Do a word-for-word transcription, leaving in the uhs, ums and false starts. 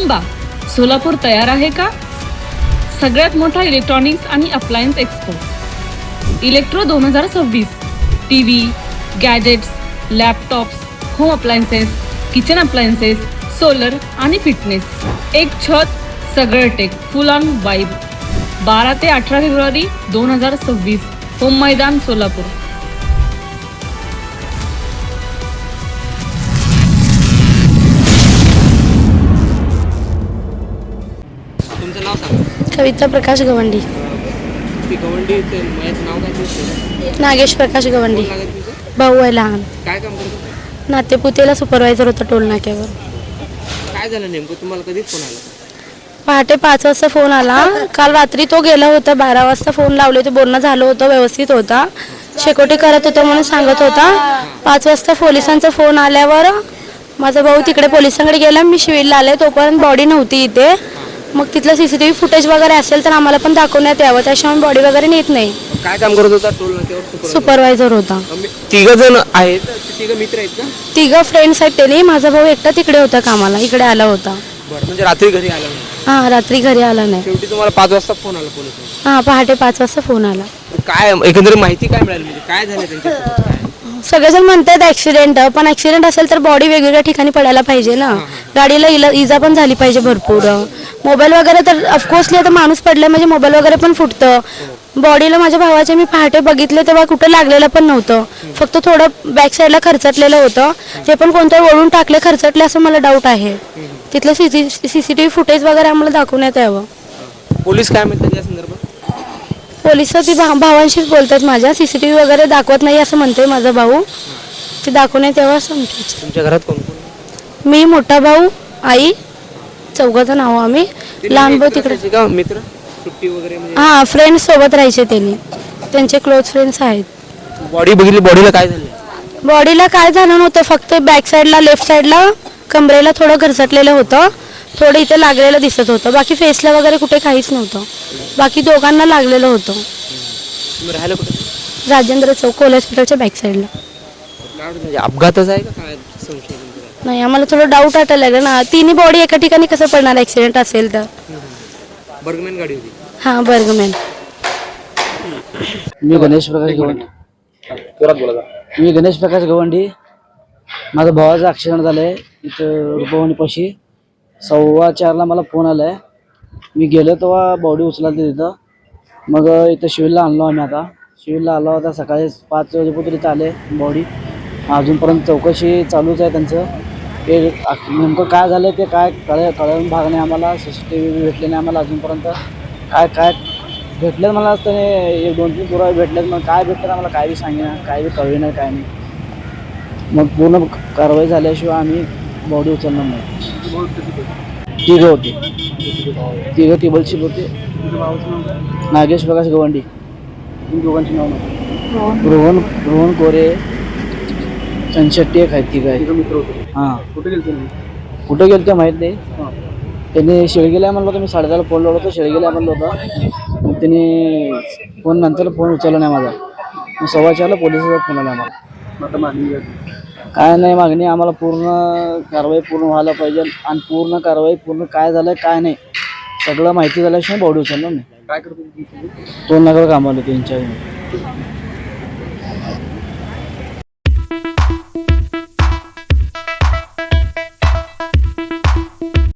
थांबा, सोलापूर तयार आहे का? सगळ्यात मोठा इलेक्ट्रॉनिक्स आणि अप्लायन्स एक्सपो इलेक्ट्रो दोन हजार सव्वीस. TV, gadgets, laptops, home appliances, kitchen appliances, solar आणि फिटनेस. एक छत, सगळं टेक, फुल ऑन वाईब. बारा ते अठरा फेब्रुवारी दोन हजार सव्वीस, होम मैदान, सोलापूर. तुमचं नाव सांगा. कविता प्रकाश गवंडी. ती गवंडी माझं नाव काय तुमचं? नागेश प्रकाश गवंडी. कोण लागत तुमचं? भाऊ आहे लहान. काय काम करत होतं? नातेपुतेला सुपरवायझर होता टोल नाक्यावर. काय झालं नेमकं? तुम्हाला कधी फोन आला? पहाटे पाच वाजता फोन आला. काल रात्री तो गेला होता, बारा वाजता फोन लावले होते, बोलणं झालं होतं, व्यवस्थित होता, शेकोटी करत होता म्हणून सांगत होता. पाच वाजता पोलिसांचा फोन आल्यावर माझा भाऊ तिकडे पोलिसांकडे गेला, मी शिवीला आले. तोपर्यंत बॉडी नव्हती इथे. मग तिथलं सीसीटीव्ही फुटेज वगैरे असेल तर आम्हाला पण दाखवण्यात यावं, त्याशिवाय बॉडी वगैरे नेत नाही. काय काम करत होता टोल नाक्यावर? सुपरवायझर होता. तिघ जण आहेत, तिघ मित्र आहेत का? तिघं फ्रेंड्स आहेत त्यांनी. माझा भाऊ एकटा तिकडे होता कामाला, इकडे आला होता. बरं, म्हणजे रात्री घरी आला नाही? हा, रात्री घरी आला नाही. शेवटी तुम्हाला पाच वाजता फोन आला पोलिस? हा, पहाटे पाच वाजता फोन आला. काय एकंदरीत माहिती काय मिळाली, म्हणजे काय झालं त्यांच्या? सगळेजण म्हणतात ऍक्सिडेंट, पण ऍक्सिडेंट असेल तर बॉडी वेगवेगळ्या ठिकाणी पडायला पाहिजे ना. गाडीला इला इजा पण झाली पाहिजे भरपूर. मोबाईल वगैरे तर ऑफकोर्सली आता माणूस पडलाय म्हणजे मोबाईल वगैरे पण फुटतं. बॉडीला माझ्या भावाचे मी पहाटे बघितले तेव्हा कुठं लागलेलं पण नव्हतं, फक्त थोडं बॅक साईडला खरचटलेलं होतं. ते पण कोणतं वळून टाकले खरचटले असं मला डाऊट आहे. तिथलं सीसीटीव्ही फुटेज वगैरे आम्हाला दाखवण्यात यावं. पोलीस काय म्हणतात या संदर्भात? पोलिस ती भा भावांशीच बोलतात माझ्या. सीसीटीव्ही वगैरे दाखवत नाही असं म्हणतोय माझा भाऊ. ते दाखवण्यात यावं असं म्हणतो. तुमच्या घरात कोण कोण? मी, मोठा भाऊ, आई, चौघाचं नाव आम्ही. लहान भाऊ तिकडे. मित्र सुट्टी वगैरे? हा, फ्रेंड्स सोबत राहायचे त्यांनी, त्यांचे क्लोज फ्रेंड्स आहेत. बॉडी बघितली, बॉडीला काय झालं? बॉडीला काय झालं नव्हतं, फक्त बॅक साईडला लेफ्ट साईडला कमरेला थोडं घरचटलेलं होतं, थोडं इथे लागलेलं दिसत होतं. बाकी फेसला वगैरे कुठे काहीच नव्हतं. बाकी दोघांना लागलेलं होतं. राहायला कुठे? राजेंद्र चौक कोल हॉस्पिटलच्या बॅक साईडला. म्हणजे अपघातच आहे का काय संशय? नाही, आम्हाला थोडं डाऊट वाटायला लागलं ना. तिन्ही बॉडी एका ठिकाणी कसं पडणार ऍक्सिडेंट असेल तर? बर्गमॅन गाडी होती? हां, बर्गमॅन. मी गणेश प्रकाश गवंडी. मी गणेश प्रकाश गवंडी. माझा भावाचा ॲक्सिडेंट झालं आहे इथं रुपवणीपाशी. सव्वा चारला मला फोन आला आहे. मी गेलो तेव्हा बॉडी उचलाली तिथं. मग इथं शिवीलला आणलो आम्ही. आता शिवीलला आलो होता, सकाळी पाच वाजेपर्यंत इथं आले बॉडी. अजूनपर्यंत चौकशी चालूच आहे त्यांचं. ते नेमकं काय झालं ते काय कळ कळून भाग नाही आम्हाला. सी सी टी व्ही भेटले नाही आम्हाला अजूनपर्यंत. काय काय भेटलेत मला त्याने एक दोन तीन पुरावे भेटलेत, मग काय भेटलं आम्हाला काय बी सांगेना, काय बी कळवे नाही, काय नाही. मग पूर्ण कारवाई झाल्याशिवाय आम्ही बॉडी उचलणार नाही. तिघं होते, तिघं टेबलशिप होते. नागेश प्रकाश गवंडी. दोघांची नाव रोहन रोहन कोरे, चंदशेट्टी एक आहेत, तिघं आहेत. हां, कुठे गेले कुठे गेले ते माहीत नाही. त्यांनी शेळगेला म्हणलं होतं, मी साडेदहाला फोन लावलो होतो, शेळगेला म्हणलं होतं. मग त्यांनी फोन नंतर फोन उचलला नाही माझा. मग सव्वा चारला पोलिसाचा फोन आला आम्हाला. काय नाही मागणी, आम्हाला पूर्ण कारवाई पूर्ण व्हायला पाहिजे. आणि पूर्ण कारवाई पूर्ण काय झालं काय नाही सगळं माहिती झाल्याशिवाय बॉडी उचलणार नाही. काय करतो? दोन लाखावर कामाला त्यांच्या